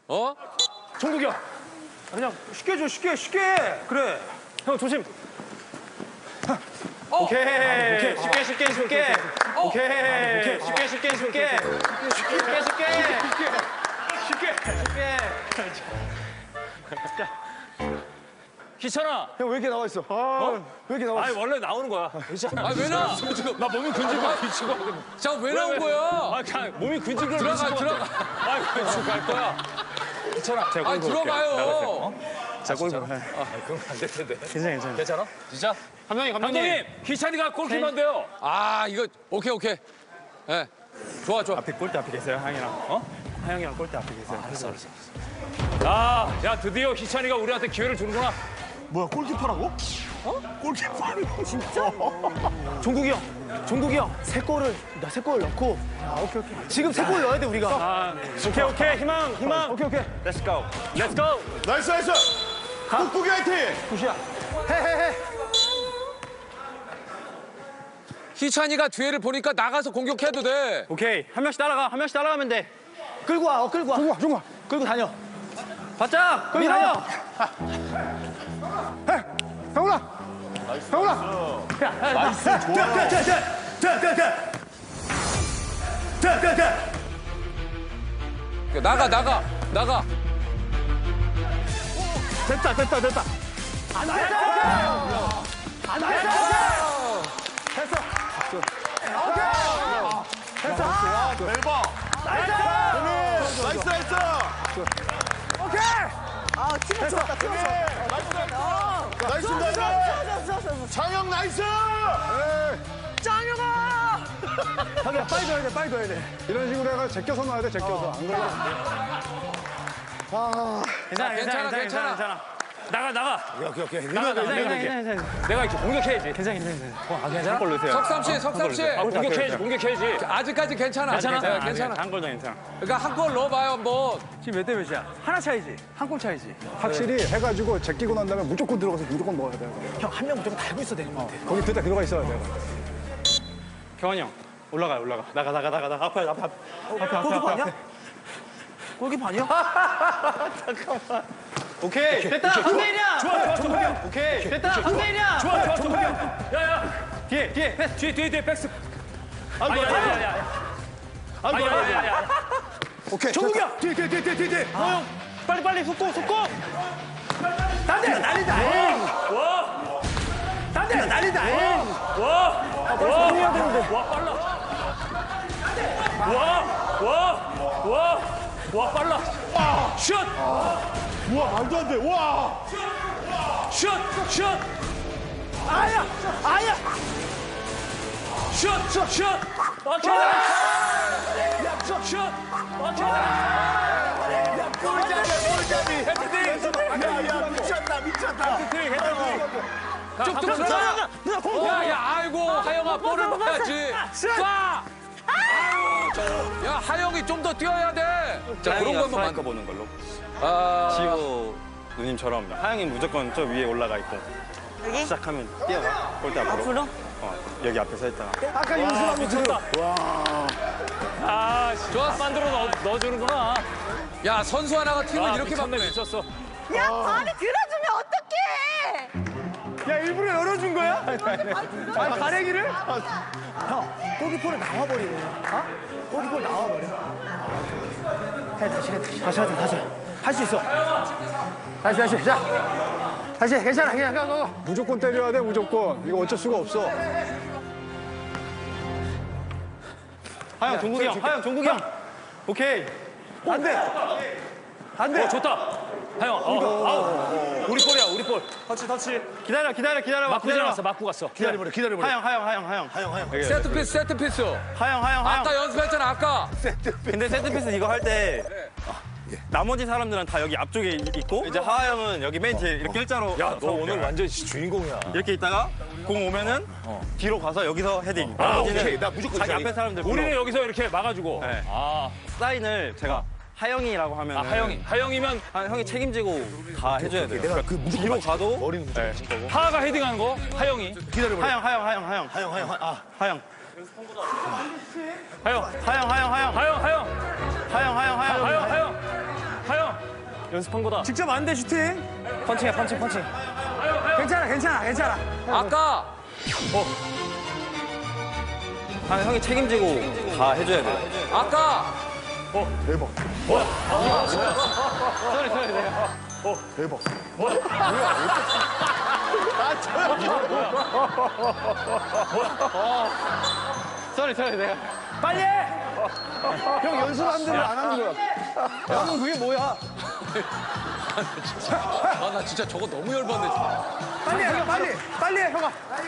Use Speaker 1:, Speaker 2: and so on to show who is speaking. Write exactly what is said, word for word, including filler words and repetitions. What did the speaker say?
Speaker 1: 어?
Speaker 2: 종국이 형. 그냥 쉽게 줘, 쉽게, 쉽게. 그래. 형 조심.
Speaker 1: 어.
Speaker 2: 오케이.
Speaker 3: 오케이.
Speaker 2: 쉽게, 쉽게, 쉽게.
Speaker 1: 어.
Speaker 2: 오케이.
Speaker 3: 오케이.
Speaker 2: 쉽게, 쉽게, 쉽게. 쉽게, 쉽게. 쉽게, 쉽게.
Speaker 4: 희찬아.
Speaker 3: 형 왜 이렇게 나와 있어? 어? 왜 이렇게 나와
Speaker 4: 아니
Speaker 3: 있어?
Speaker 4: 원래 나오는 거야.
Speaker 1: 아, 왜 나?
Speaker 4: 나 몸이 근질거려 미치고.
Speaker 1: 자, 왜 나온 거야?
Speaker 4: 아 그냥 몸이 근질거려
Speaker 1: 들어가,
Speaker 4: 미치고.
Speaker 1: 들어가.
Speaker 4: 아 그냥 갈 거야. 희찬아. 제가
Speaker 1: 아, 들어가요.
Speaker 4: 자 골. 아 그럼 안 될 텐데.
Speaker 3: 괜찮아, 괜찮아.
Speaker 4: 괜찮아? 진짜?
Speaker 2: 감독님, 감독님.
Speaker 4: 감독님 희찬이가 골키퍼인데요.
Speaker 1: 아, 이거 오케이, 오케이. 예. 좋아, 좋아.
Speaker 3: 앞에 골대 앞에 계세요, 하영이랑. 어? 하영이랑 골대 앞에 계세요.
Speaker 4: 알았어 알았어. 야, 야 드디어 희찬이가 우리한테 기회를 주는구나.
Speaker 3: 뭐야, 골키퍼라고? 어? 골키퍼라고? 진짜?
Speaker 2: 종국이 형. 종국이 형. 세 골을, 나 세 골 넣고.
Speaker 3: 아, 오케이, 오케이.
Speaker 2: 지금 세 골 넣어야 돼, 우리가.
Speaker 4: 아,
Speaker 2: 오케이, 오케이. 희망, 희망.
Speaker 3: 오케이, 오케이.
Speaker 2: Let's go. Let's go.
Speaker 3: 나이스, 나이스! 꾹꾹이 화이팅!
Speaker 2: 굿이야. 해, 해, 해.
Speaker 1: 희찬이가 뒤에를 보니까 나가서 공격해도 돼.
Speaker 2: 오케이. 한 명씩 따라가. 한 명씩 따라가면 돼. 끌고 와. 어, 끌고 와.
Speaker 3: 중과, 중과.
Speaker 2: 끌고 다녀. 바짝. 끌고 다녀.
Speaker 3: 형훈아! 형훈아!
Speaker 2: 나이스. 좋아. 자, 자, 자, 자, 자, 자. 자, 자, 자.
Speaker 1: 나가, 나가, 나가.
Speaker 2: 됐다, 됐다, 됐다. 안 됐다. 안 됐다. 됐어. 오케이. 됐어.
Speaker 3: 대박!
Speaker 2: 나이스.
Speaker 3: 나이스, 나이스!
Speaker 2: 오케이.
Speaker 5: 아, 팀을 좋았다, 팀을 좋았다.
Speaker 3: 나이스, 나이스! 장영 나이스!
Speaker 5: 짱영아!
Speaker 3: 자기야, 빨리 넣어야 돼, 빨리 넣어야 돼. 이런 식으로 해가 제껴서 넣어야 돼, 제껴서. 안 그러면 안 돼. 아,
Speaker 2: 괜찮아,
Speaker 1: 괜찮아, 괜찮아.
Speaker 2: 괜찮아. 나가, 나가.
Speaker 3: 오케이, 오케이.
Speaker 2: 나가, 나가, 괜찮아, 괜찮아.
Speaker 4: 내가 이렇게 공격해야지.
Speaker 2: 괜찮아, 괜찮아.
Speaker 4: 아 괜찮아?
Speaker 2: 골 넣으세요.
Speaker 1: 석삼 씨, 석삼 씨.
Speaker 4: 아 공격해야지 공격해야지.
Speaker 1: 아직까지 괜찮아.
Speaker 4: 괜찮아?
Speaker 1: 네, 괜찮아.
Speaker 2: 한골 더 괜찮아.
Speaker 1: 그러니까 한 골 넣어봐요, 한번.
Speaker 2: 지금 몇 대 몇이야? 하나 차이지? 한 골 차이지?
Speaker 3: 확실히 해가지고 제끼고 난 다음에 무조건 들어가서 무조건 넣어야 돼.
Speaker 2: 형, 한 명 무조건 달고 있어야 되는 거 같아.
Speaker 3: 거기 들다 들어가 있어야 돼.
Speaker 2: 경환이 형, 올라가요, 올라가. 나가, 나가, 나가, 나가. 앞에, 앞에, 앞에. 앞에, 앞에,
Speaker 5: 골키퍼
Speaker 2: 앞에,
Speaker 5: 아니야? 골키퍼 아니야?
Speaker 2: 잠깐만. 오케이, 됐다. 한 대일이야.
Speaker 4: 좋아 좋아 좋아.
Speaker 2: 오케이, 됐다. 한 대일이야.
Speaker 4: 좋아 좋아 좋아. 야야
Speaker 2: 뒤에, 뒤에. 패스.
Speaker 4: 뒤에 뒤에 뒤에 백스.
Speaker 2: 아이고,
Speaker 4: 아야
Speaker 2: 아이고,
Speaker 4: 야야 야.
Speaker 2: 아이고,
Speaker 4: 아야
Speaker 2: 아이고.
Speaker 4: 야야.
Speaker 3: 오케이.
Speaker 2: 종국이 형.
Speaker 3: 뒤에, 뒤에, 뒤에, 뒤에, 뒤에.
Speaker 2: 어, 형. 빨리, 빨리, 속고, 속고. 난데, 난리다.
Speaker 4: 와.
Speaker 2: 난데, 난리다.
Speaker 4: 와. 와.
Speaker 2: 해야 되는데.
Speaker 4: 와 빨라. 와. 와. 와. 와 빨라. 아, 슛.
Speaker 3: 우와, 말도 안 돼. 와!
Speaker 4: 슛. 슛.
Speaker 2: 아야, 아야.
Speaker 4: 슛. 슛. 슛. 오케이. 슛. 슛. 오케이.
Speaker 3: 골잡이, 골잡이.
Speaker 4: 헤딩.
Speaker 3: 야, 야, 미쳤다, 미쳤다.
Speaker 4: 헤딩 헤딩.
Speaker 1: 쭉쭉
Speaker 2: 누나,
Speaker 1: 들어가.
Speaker 2: 누나, 공.
Speaker 1: 야, 야, 아이고, 하영아, 볼을 봐야지. 쏴! 아유, 저, 야, 하영이 좀 더 뛰어야 돼. 자, 그런 것만 만.
Speaker 6: 보는 걸로.
Speaker 1: 아,
Speaker 6: 지호 누님처럼 하영이 무조건 저 위에 올라가 있고
Speaker 5: 여기?
Speaker 6: 시작하면 뛰어가 골대 앞으로.
Speaker 5: 앞으로?
Speaker 6: 어, 여기 앞에 서 있다가.
Speaker 3: 아까 윤수랑
Speaker 4: 미쳤다. 아, 좋았어. 만들어 넣어, 넣어주는구나.
Speaker 1: 야, 선수 하나가 팀을
Speaker 4: 아,
Speaker 1: 이렇게
Speaker 4: 미쳤네,
Speaker 1: 바꾸네.
Speaker 4: 미쳤어.
Speaker 5: 야, 발이 들어주면 어떡해!
Speaker 2: 야, 일부러 열어준 거야? 아, 가래기를?
Speaker 5: 형, 골키퍼를 나와버리네. 어? 골키퍼를 나와버려. 해, 다시 해, 다시.
Speaker 2: 다시 하자, 다시. 할 수 있어. 다시, 다시. 자. 다시, 괜찮아. 그냥, 그냥, 너.
Speaker 3: 무조건 때려야 돼, 무조건. 이거 어쩔 수가 없어.
Speaker 2: 하영, 종국이 형. 하영, 종국이 형. 오케이.
Speaker 3: 안 돼!
Speaker 2: 안 돼.
Speaker 4: 어, 좋다. 하영, 어, 아우. 우리 볼이야, 우리 볼.
Speaker 2: 터치, 터치. 기다려, 기다려, 기다려.
Speaker 4: 맞고
Speaker 2: 기다려.
Speaker 4: 지나갔어, 맞고 갔어.
Speaker 2: 기다려버려, 기다려버려. 하영, 하영, 하영, 하영. 하영, 하영.
Speaker 1: 세트 피스, 세트 피스.
Speaker 2: 하영, 하영, 하영.
Speaker 1: 아까 연습했잖아, 아까.
Speaker 6: 근데 세트피스 이거 할 때 나머지 사람들은 다 여기 앞쪽에 있고 이제 하하 형은 여기 맨 뒤에 이렇게 일자로
Speaker 4: 야, 너
Speaker 6: 서서
Speaker 4: 오늘 완전 주인공이야.
Speaker 6: 이렇게 있다가 공 오면은 뒤로 가서 여기서 헤딩. 나머지는
Speaker 3: 나 무조건
Speaker 6: 자기 앞에 사람들
Speaker 4: 우리는
Speaker 6: 불러.
Speaker 4: 여기서 이렇게 막아주고.
Speaker 6: 네.
Speaker 4: 아,
Speaker 6: 사인을 제가 하영이라고 하면
Speaker 4: 아, 하영이. 하영이면
Speaker 6: 형이 책임지고 다 해줘야 돼요. 내가 그 무조건 뒤로 가도 머리는 무조건
Speaker 4: 하하가 헤딩하는 거, 하영이.
Speaker 2: 기다려버려. 하영, 하영, 하영, 하영. 하영, 하영, 아, 하영.
Speaker 4: 하영,
Speaker 2: 하영, 하영, 하영.
Speaker 4: 하영, 하영,
Speaker 2: 하영, 하영, 하영.
Speaker 4: 하영, 하영, 하영.
Speaker 6: 연습한 거다.
Speaker 5: 직접 안 돼, 슈팅. 펀칭해, 펀칭, 펀칭. 괜찮아, 괜찮아, 괜찮아.
Speaker 1: 아까
Speaker 6: 아, 형이 책임지고 다 해줘야 돼.
Speaker 1: 아까
Speaker 2: 대박.
Speaker 6: 소리 소리 내가.
Speaker 2: 대박.
Speaker 6: 소리 소리 내가.
Speaker 5: 빨리 해!
Speaker 3: 형 연습하는 대로 안 하는 거야.
Speaker 5: 형은 그게 뭐야?
Speaker 1: 아 나 진짜 저거 너무 열받네.
Speaker 5: 빨리 해, 빨리! 빨리 해, 형아.